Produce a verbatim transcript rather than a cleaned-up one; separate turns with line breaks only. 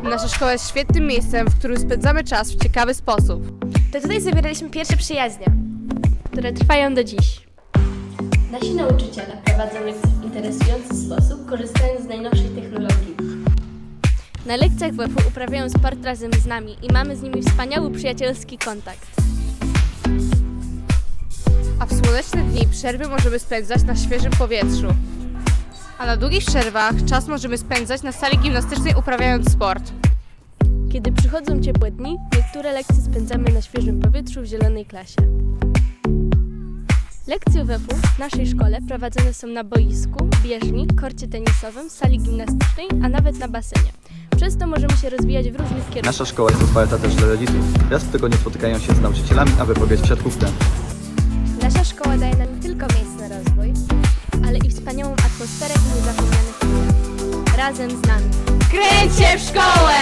Nasza szkoła jest świetnym miejscem, w którym spędzamy czas w ciekawy sposób.
To tutaj zawieraliśmy pierwsze przyjaźnie, które trwają do dziś.
Nasi nauczyciele prowadzą lekcje w interesujący sposób, korzystając z najnowszej technologii.
Na lekcjach W F U uprawiają sport razem z nami i mamy z nimi wspaniały przyjacielski kontakt.
A w słoneczne dni przerwy możemy spędzać na świeżym powietrzu. A na długich przerwach czas możemy spędzać na sali gimnastycznej uprawiając sport.
Kiedy przychodzą ciepłe dni, niektóre lekcje spędzamy na świeżym powietrzu w zielonej klasie. Lekcje W F U w naszej szkole prowadzone są na boisku, bieżni, korcie tenisowym, sali gimnastycznej, a nawet na basenie. Przez to możemy się rozwijać w różnych kierunkach.
Nasza szkoła jest otwarta też dla rodziców. Raz w tygodniu spotykają się z nauczycielami, aby pograć w siatkówkę.
Nasza szkoła daje nam nie tylko miejsce na rozwój, ale i wspaniałą atmosferę i niezapomniane chwile. Razem z nami.
Kręć się w szkołę!